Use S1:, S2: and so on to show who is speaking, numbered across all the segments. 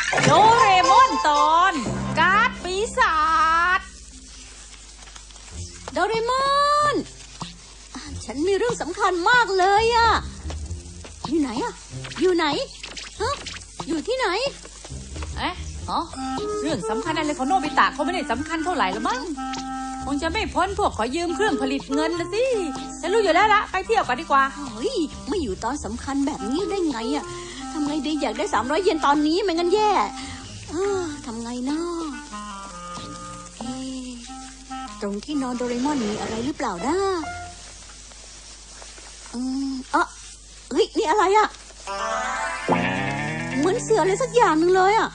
S1: โดเรมอนตอนการ์ดปีศาจ
S2: โดเรมอนฉันมีเรื่องสำคัญมากเลยอะอยู่ไหนอะอยู่ไหนฮะอยู่ที่ไหน
S1: เอ๊ะเรื่องสำคัญอะไรของโนบิตะเขาไม่ได้สำคัญเท่าไหร่ละมั้งคงจะไม่พ้นพวกขอยืมเครื่องผลิตเงินละสิฉันรู้อยู่แล้วละไปเที่ยวกันดีกว่า
S2: เฮ้ยไม่อยู่ตอนสำคัญแบบนี้ได้ไงอะทำไงดีอยากได้300 เยนตอนนี้ไม่งั้นแย่ทำไงเนาะตรงที่นอนโดเรมอนมีอะไรหรือเปล่านะเฮ้ยนี่อะไรอะเหมือนเสืออะไรสักอย่างหนึ่งเลยอะ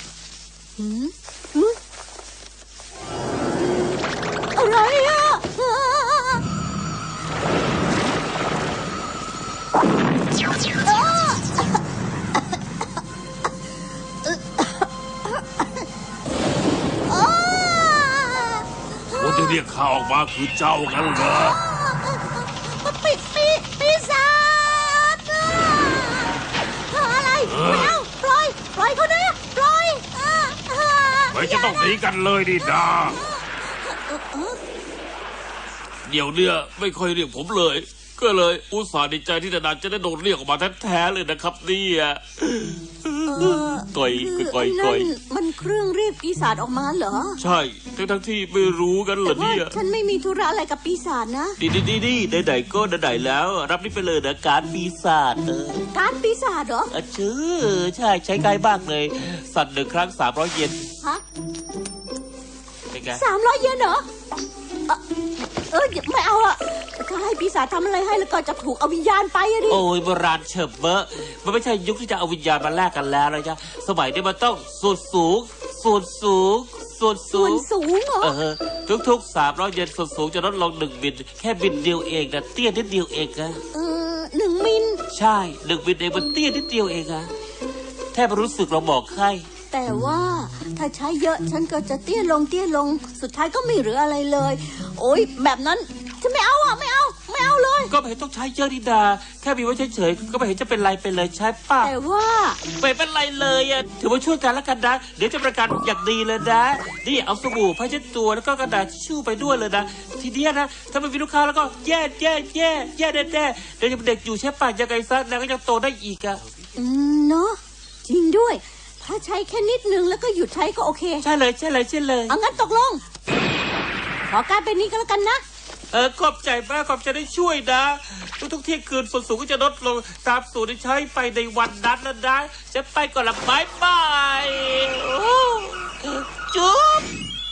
S2: อะไรอะ
S3: คนที่เรียกข้าออกมาคือเจ้ากันเหรอ
S2: ปีศาจอะไรไม่เอาปล่อยเขาด้วยปล่อย
S3: ไม่จะต้องหนีกันเลยดิดาเดี๋ยวเนี่ยไม่ค่อยเรียกผมเลยก็เลยอุตส่าห์ดีใจที่นานๆจะได้โดนเรียกออกมาแท้ๆเลยนะครับเนี่ยก่อย
S2: มันเครื่องเรียกปีศาจออกมาเหรอ
S3: ใช่ทั้งที่ไม่รู้กันเหรอเนี่ย
S2: ฉันไม่มีธุระอะไรกับปีศาจนะ
S3: ดีไหนๆก็ไหนๆแล้วรับนี่ไปเลยนะการปีศาจ
S2: การปีศาจเหรอ
S3: ชื่อใช่ใช้ง่ายมากเลยสั่น1 ครั้ง300 เยน
S2: ฮะ300 เยนเหรอไม่เอาอะถ้าให้ปีศาจทำอะไรให้แล้วก็จะถูกเอาวิญญาณไปอะดิ
S3: โอ้ยโบราณเฉิบเบอะมันไม่ใช่ยุคที่จะเอาวิญญาณมาแลกกันแล้วนะจ๊ะสมัยนี้มันต้องส่วนสูง
S2: เหรอ
S3: ทุก300 เยนส่วนสูงจะลดลง1 มิลแค่มิลเดียวเองนะเตี้ยนิดเดียวเองนะ
S2: 1 มิล
S3: ใช่1 มิลเองมันเตี้ยนิดเดียวเองอะแทบรู้สึกเราบอกให้
S2: แต่ว่าถ้าใช้เยอะฉันก็จะเตี้ยลงสุดท้ายก็ไม่เหลืออะไรเลยโอ๊ยแบบนั้นฉันไม่เอาอ่ะไม่เอาเลย
S3: ก็ไม่เห็นต้องใช้เยอะดีดาแค่มีไว้เฉยๆก็ไม่เห็นจะเป็นไรไปเลยใช่ป่ะ
S2: แต่ว่า
S3: ไม่เป็นไรเลยอ่ะถือว่าช่วยกันแล้วกันนะเดี๋ยวจะประกันอย่างดีเลยนะนี่เอาสบู่ผ้าเช็ดตัวแล้วก็กระดาษทิชชู่ไปด้วยเลยนะทีเดียวนะถ้าไม่มีลูกค้าแล้วก็แย่แน่ๆเดี๋ยวจะเป็นเด็กอยู่ใช่ป่ะยังไงซะแล้วก็ยังโตได้อีกอ่ะ
S2: เนาะจริงด้วยถ้าใช้แค่นิดนึงแล้วก็หยุดใช้ก็โอเค
S3: ใช่เลย
S2: งั้นตกลงขอการเป็นนี้ก็แล้วกันนะ
S3: ขอบใจมากขอบใจได้ช่วยนะทุกเที่ยงคืนส่วนสูงก็จะลดลงตามสูตรที่ใช้ไปในวันนั้นแล้วนะจะไปก่อนละบายจุ๊บ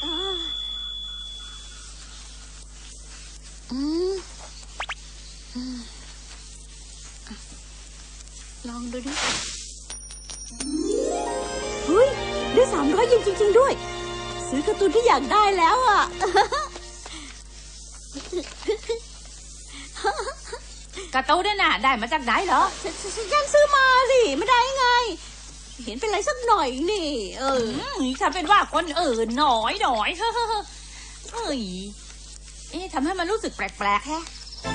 S2: ลองดูดิเฮ้ยได้300 เยนจริงๆด้วยซื้อการ์ตูนที่อยากได้แล้วอ่ะ
S1: การ์ตูนเนี่ยน่ะได้มาจากไหนเหรอ
S2: ฉันซื้อมาสิไม่ได้ไงเห็นเป็นไรสักหน่อยนี่
S1: ถ้าเป็นว่าคนอื่นหน่อยเฮ้ยทำให้มันรู้สึกแปลกๆแฮะ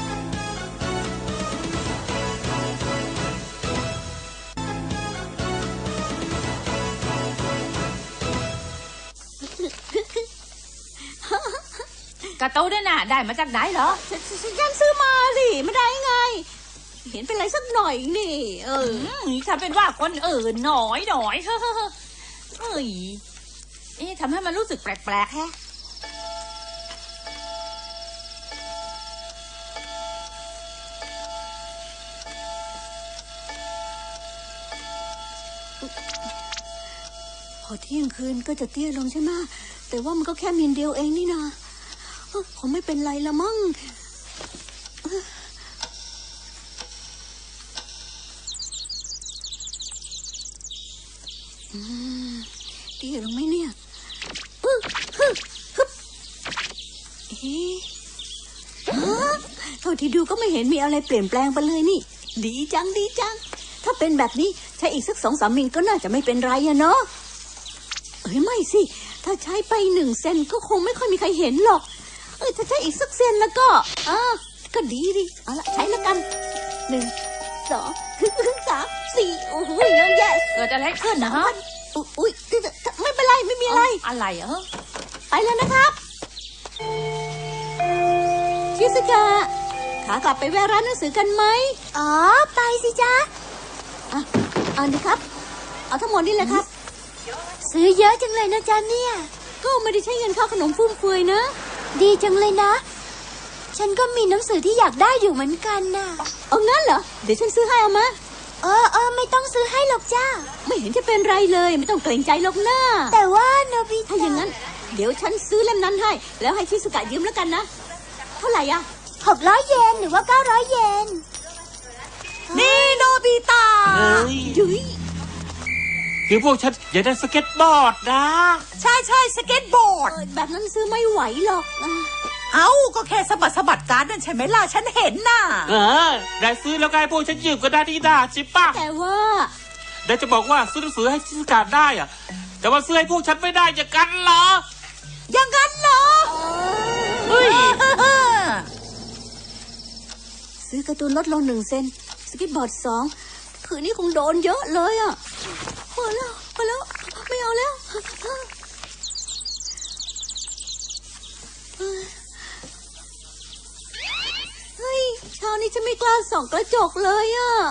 S1: การ์ตูนเนี่ยน่ะได้มาจากไหนเหรอ
S2: ฉันซื้อมาสิไม่ได้ไงเห็นเป็นไรสักหน่อยนี่
S1: ถ้าเป็นว่าคนอื่นหน่อยเฮ้ยทำให้มันรู้สึกแปลกๆแฮะ
S2: พอเที่ยงคืนก็จะเตี้ยลงใช่ไหมแต่ว่ามันก็แค่มิลเดียวเองนี่นะคงไม่เป็นไรละมั้งเตี้ยลงไหมเนี่ยเท่าที่ดูก็ไม่เห็นมีอะไรเปลี่ยนแปลงไปเลยนี่ดีจังถ้าเป็นแบบนี้ใช้อีกสัก2-3 มิลก็น่าจะไม่เป็นไรอะเนาะไม่สิถ้าใช้ไป1 เซนก็คงไม่ค่อยมีใครเห็นหรอกถ้าใช้อีกสักเซนแล้วก็ดีเอาละใช้แล้วกัน1 2 3 4โอ้โหเยอะแยะ
S1: เกิดอะไรขึ้นนะฮะ
S2: อุ๊ยไม่เป็นไรไม่มีอะไร
S1: อะไรเหรอ
S2: ไปแล้วนะครับชิสกะขากลับไปแวะร้านหนังสือกันไหมอ๋อไปสิจ๊ะเอาดิครับเอาทั้งหมดนี่แหละครับซื้อเยอะจังเลยนะจ๊ะเนี่ยก็ไม่ได้ใช้เงินค่าขนมฟุ่มเฟือยนะ ดีจังเลยนะ ฉันก็มีหนังสือที่อยากได้อยู่เหมือนกันน่ะเอางั้นเหรอเดี๋ยวฉันซื้อให้เอามาไม่ต้องซื้อให้หรอกจ้าไม่เห็นจะเป็นไรเลยไม่ต้องเกรงใจหรอกนะแต่ว่าโนบิถ้าอย่างนั้นเดี๋ยวฉันซื้อเล่มนั้นให้แล้วให้ชิสุกะยืมแล้วกันนะเท่าไหร่อะ600 เยนหรือว่า900 เยนนี่โนบิตะ
S3: เฮ้ย
S2: ยุย
S3: คือพวกฉันอยากได้สเก็ตบอร์ดนะ
S4: ใช่ใช่สเก็ตบอร์ด
S2: แบบนั้นซื้อไม่ไหวหรอก
S4: เอ้าก็แค่สะบัดการ์ดนั่นใช่ไหมล่ะฉันเห็นน่ะ
S3: ได้ซื้อแล้วไงพวกฉันยืมก็ได้ดีด่าใช่ปะ
S2: แต่ว่า
S3: ได้จะบอกว่าซื้อหนังสือให้ชิสกาได้อะแต่ว่าซื้อให้พวกฉันไม่ได้อย่างกันเหรอ
S4: อย่างนั้นเหรอ
S3: เฮ้ย
S2: ซื้อการ์ตูนลดลง1 เซนสเก็ตบอร์ด2คืนนี้คงโดนเยอะเลยอ่ะพอแล้วไม่เอาแล้วเฮ้ยเช้านี้ฉันไม่กล้าส่องกระจกเลยอ่ะ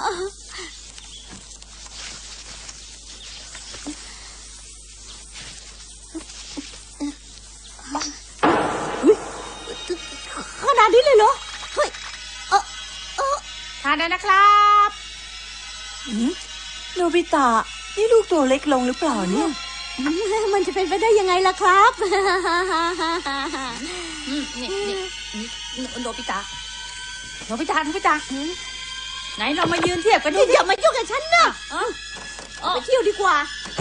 S2: ขนาดนี้เลยเหรอเฮ้ย
S1: ทานได้นะครับ
S4: โนบิตะนี่ลูกตัวเล็กลงหรือเปล่าเนี่ย
S2: มันจะเป็นไปได้ยังไงล่ะครับ
S1: นี่โนบิตะไหนเรามายืนเทียบกันดู
S2: อย่ามายุ่งกับฉันนะ ไปเที่ยวดีกว่า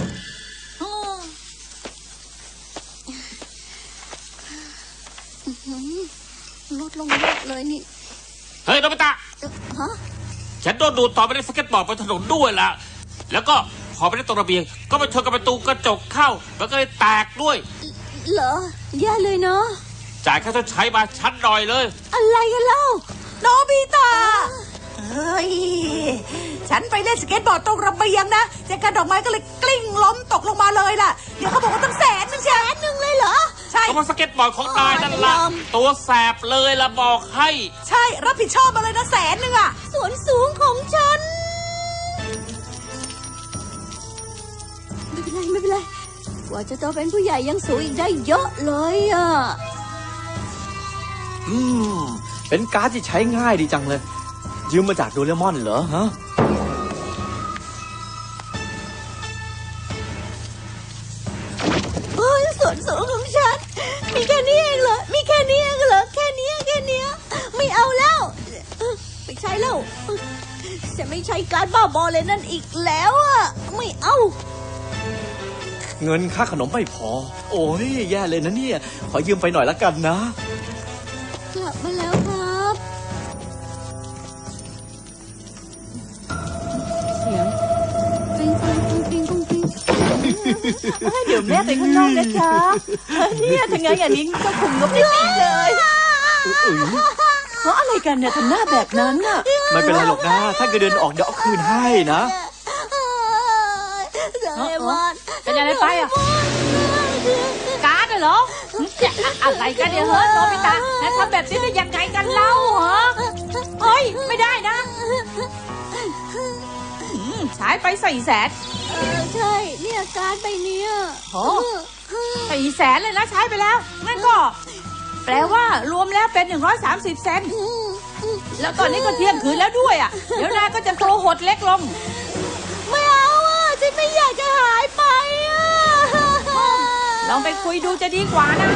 S2: ลดลงเยอะเลยนี่
S3: เฮ้ยโนบิตะ
S2: ฮะ
S3: ฉันโดนดูดต่อไปในสเก็ตบอร์ดบนถนนด้วยล่ะ แล้วก็พอไปได้ตรงระเบียงก็ไปชนกับประตูกระจกเข้ามันก็เลยแตกด้วย
S2: เหรอแย่เลยเนาะ
S3: จ่ายค่าชดใช้มาชั้นหน่อยเลย
S2: อะไรกันเล่า
S4: โนบิตะเฮ้ยฉันไปเล่นสเก็ตบอร์ดตรงระเบียงนะแจกันดอกไม้ก็เลยกลิ้งล้มตกลงมาเลยล่ะเดี๋ยวเขาบอกว่าตั้ง100,000ใช่
S2: 1 เลยเหรอ
S4: ใช่
S3: ก็เพราะสเก็ตบอร์ดของนายนั่นละ
S2: ยอม
S3: ตัวแสบเลยละบอกให้
S4: ใช่รับผิดชอบมาเลยนะ100,000อ่ะ
S2: ส่วนสูงของฉัน ไม่เป็นไรกว่าจะโตเป็นผู้ใหญ่ยังสูงอีกได้เยอะเลยอ่ะ
S5: เป็นการ์ดที่ใช้ง่ายดีจังเลย ยืมมาจากโดเรมอนเหรอฮะ
S2: โอ้ยส่วนสูงของฉัน มีแค่นี้เองเหรอ มีแค่นี้เองเหรอ แค่นี้ไม่เอาแล้วไม่ใช่แล้วจะไม่ใช้การบ้าบอเลยนั่นอีกแล้วอ่ะ ไม่เอา
S5: เงินค่าขนมไม่พอ โอ้ยแย่เลยนะเนี่ย ขอยืมไปหน่อยละกันนะ
S2: กลับมาแล้วครับ เสียงกริ๊งกริ๊งกริ๊งกริ๊งกริ๊งกริ๊ง
S4: เดี๋ยวแม่ไปข้างนอกนะจ๊ะเนี่ยถ้างั้นอย่างนี้ก็คุมงบไม่ดีเลยเพราะอะไรกันเนี่ยทำหน้าแบบนั้นน่ะ
S5: ไม่เป็นไรหรอกนะ ถ้าเกิดเดินออกเดี๋ยวเอาคืนให้นะ
S2: โดเรมอน
S1: เป็นอะไรไปอ่ะ การ์ดเหรออะไรกันเนี่ยเฮ้ยโนบิตะแล้วทำแบบนี้ได้ยังไงกันเล่าเหรอเฮ้ยไม่ได้นะใช้ไป400,000
S2: ใช่ เนี่ยการ์ดใบเนี้ย
S1: โอ้400,000เลยนะใช้ไปแล้วงั้นก็ แปลว่ารวมแล้วเป็น130 เซนต์แล้วตอนนี้ก็เที่ยงคืนแล้วด้วยอ่ะเดี๋ยวนายก็จะโตหดเล็กลง
S2: ไม่เอาอ่ะฉันไม่อยากจะหายไปอ่ะ
S1: ลองไปคุยดูจะดีกว่านะ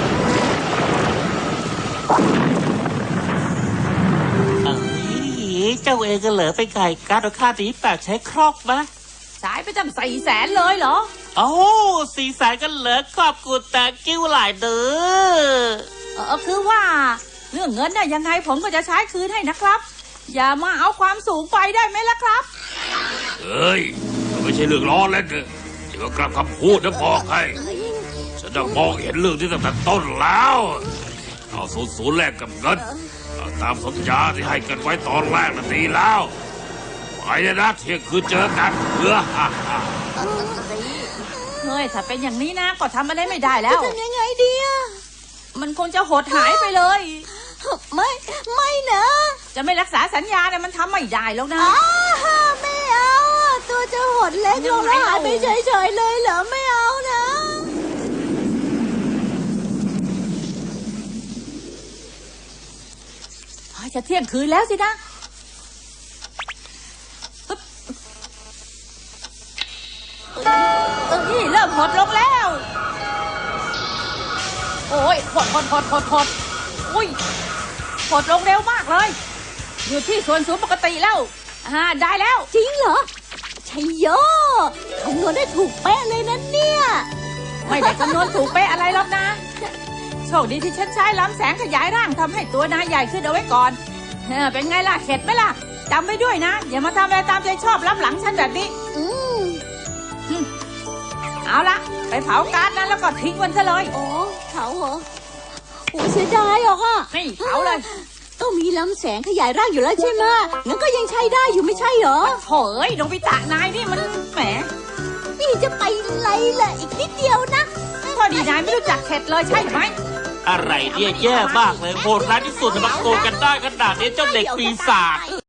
S3: เจ้าเองก็เหลือไปไก่การ์ดค่าตีแปดใช้ครอกมะ
S1: ใช้ไปตั้ง400,000เลยเหรอ
S3: โอ้400,000ก็เหลือขอบคุณแต่กิ้วหลายเด้อ
S1: คือว่าเรื่องเงินน่ะยังไงผมก็จะใช้คืนให้นะครับ อย่ามาเอาความสูงไปได้ไหมล่ะครับ
S6: เฮ้ยมันไม่ใช่เรื่องล้อเล่นเลยเดี๋ยวกลับคำพูดนะบอกให้ฉันจะมองเห็นเรื่องที่ตั้งแต่ต้นแล้ว เอา00แลกกับเงินเอาตามสัญญาที่ให้กันไว้ตอนแรกนั่นดีแล้วไปเลยนะเที่ยงคืนเจอกัน
S1: เฮ้ยถ้าเป็นอย่างนี้นะก็ทำอะไรไม่ได้แล้
S2: จะ
S1: ว
S2: ทำยังไงดีอะ
S1: มันคงจะหดหายไปเลย
S2: ไม่นะ
S1: จะไม่รักษาสัญญาเนี่ยมันทำไม่ได้แล้วนะ
S2: ไม่เอาอะตัวจะหดเล็กลงแล้วหายไปเฉยๆเลยเหรอไม่เอานะ
S1: จะเที่ยงคืนแล้วสินะปึ๊บนี่เริ่มหดลงแล้ว โอ้ยหดอุ้ยหดลงเร็วมากเลย อยู่ที่ส่วนสูงปกติแล้วได้แล้ว
S2: จริงเหรอชัยโยคำนวณได้ถูกเป๊ะเลยนะเนี่ย
S1: ไม่ได้คำนวณถูกเป๊ะอะไรหรอกนะ โชคดีที่ฉันใช้ล้ำแสงขยายร่างทำให้ตัวนายใหญ่ขึ้นเอาไว้ก่อนเป็นไงล่ะเข็ดไหมล่ะจำไว้ด้วยนะ อย่ามาทำอะไรตามใจชอบล้ำหลังฉันแบบนี้ เอาละไปเผาการ์ดนั้นแล้วก็ทิ้งมันซะเลย
S2: โอ้เขาเหรอโอ้เสียดายหรอกอ่ะ
S1: นี่เผาเลย
S2: ก็มีลำแสงขยายร่างอยู่แล้วใช่ไหมงั้นก็ยังใช้ได้อยู่ไม่ใช่เหรอ
S1: โถเอ้ยโนบิตะนายนี่มันแหม
S2: นี่จะไปไรล่ะอีกนิดเดียวนะ
S1: พอดีนายไม่รู้จักเข็ดเลยใช่ไหม
S3: อะไรเนี่ยแย่มากเลยโหดร้ายที่สุดมาโกงกันได้ขนาดนี้เจ้าเด็กปีศาจ